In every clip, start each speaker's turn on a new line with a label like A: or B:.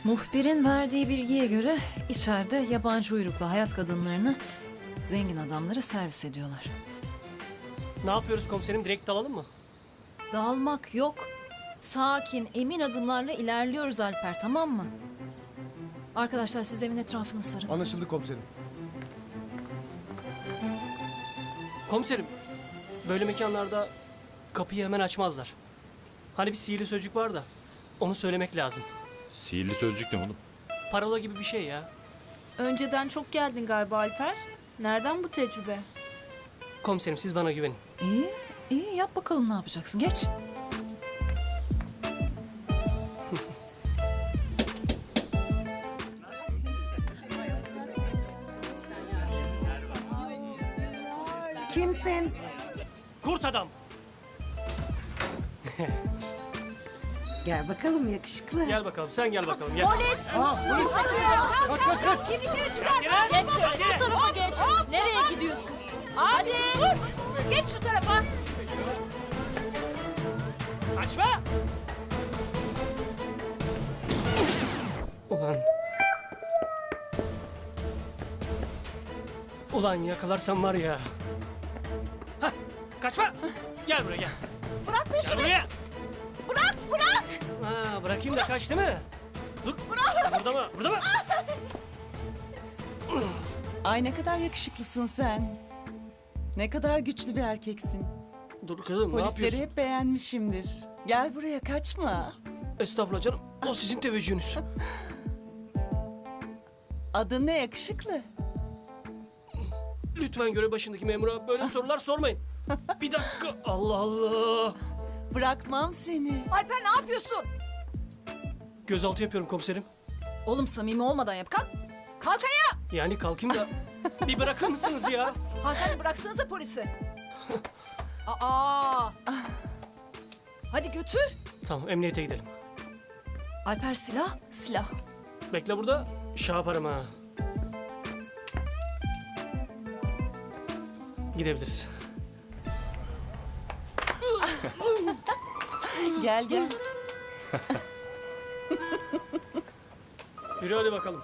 A: Muhbirin verdiği bilgiye göre içeride yabancı uyruklu hayat kadınlarını zengin adamlara servis ediyorlar.
B: Ne yapıyoruz komiserim? Direkt dalalım mı?
A: Dağılmak yok. Sakin, emin adımlarla ilerliyoruz Alper, tamam mı? Arkadaşlar siz evin etrafını sarın.
C: Anlaşıldı komiserim.
B: Komiserim, böyle mekanlarda kapıyı hemen açmazlar. Hani bir sihirli sözcük var da onu söylemek lazım.
D: Sihirli sözcük ne oğlum?
B: Parola gibi bir şey ya.
E: Önceden çok geldin galiba Alper. Nereden bu tecrübe?
B: Komiserim siz bana güvenin.
A: İyi, iyi yap bakalım ne yapacaksın. Geç.
F: Kimsin?
B: Kurt adam.
F: Gel bakalım yakışıklı.
B: Gel bakalım, sen gel bakalım. Gel.
E: Kimse kıyamazsın.
C: Kaç kaç.
E: Kimlikleri çıkar.
B: Gel.
E: Geç şöyle
B: Gel.
E: şu tarafa geç. Nereye gidiyorsun? Hadi. Geç şu tarafa.
B: Açma! Ulan. Ulan yakalarsam var ya. Hah, kaçma! Gel buraya gel.
E: Bırak
B: Gel
E: peşimi.
B: buraya.
E: Bırak.
B: Ha, bırakayım da kaç değil mi? Dur. Bırak. Burada mı? Burada mı?
G: Ay ne kadar yakışıklısın sen. Ne kadar güçlü bir erkeksin.
B: Dur kızım ne
G: Polisleri
B: yapıyorsun?
G: hep beğenmişimdir. Gel buraya kaçma.
B: Estağfurullah canım. O sizin teveccühünüz.
G: Adın ne yakışıklı?
B: Lütfen görev başındaki memura böyle sorular sormayın. Bir dakika. Allah Allah.
G: Bırakmam seni.
E: Alper ne yapıyorsun?
B: Gözaltı yapıyorum komiserim.
A: Oğlum samimi olmadan yap. Kalk. Kalk ayağa.
B: Yani kalkayım da bir bırakır mısınız ya?
A: Hanımefendi bıraksanıza polisi. Aa. Hadi götür.
B: Tamam emniyete gidelim.
A: Alper silah.
E: Silah.
B: Bekle burada. Şey yaparım ha. Gidebiliriz.
G: Gel gel.
B: Yürü hadi bakalım.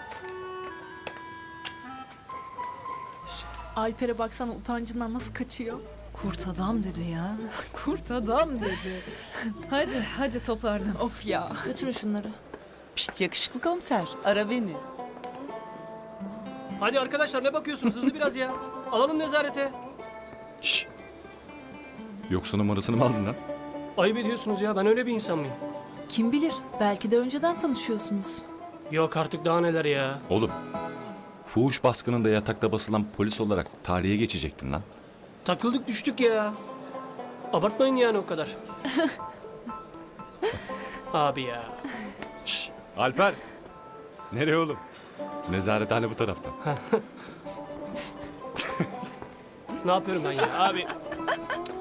E: Alper'e baksana utancından nasıl kaçıyor.
A: Kurt adam dedi ya. Kurt adam dedi. hadi toparlan.
E: Of ya. Götürün şunları.
G: Pişt yakışıklı komiser. Ara beni.
B: Hadi arkadaşlar ne bakıyorsunuz hızlı biraz ya. Alalım nezarete.
D: Şşş. Yoksa numarasını mı aldın lan?
B: Ayıp ediyorsunuz ya ben öyle bir insan mıyım?
E: Kim bilir? Belki de önceden tanışıyorsunuz.
B: Yok artık daha neler ya.
D: Oğlum. Fuhuş baskınında yatakta basılan polis olarak tarihe geçecektin lan.
B: Takıldık düştük ya. Abartmayın yani o kadar. Abi ya.
D: Şşş. Alper. Nereye oğlum? Nezarethane bu tarafta.
B: Ne yapıyorum ben ya abi?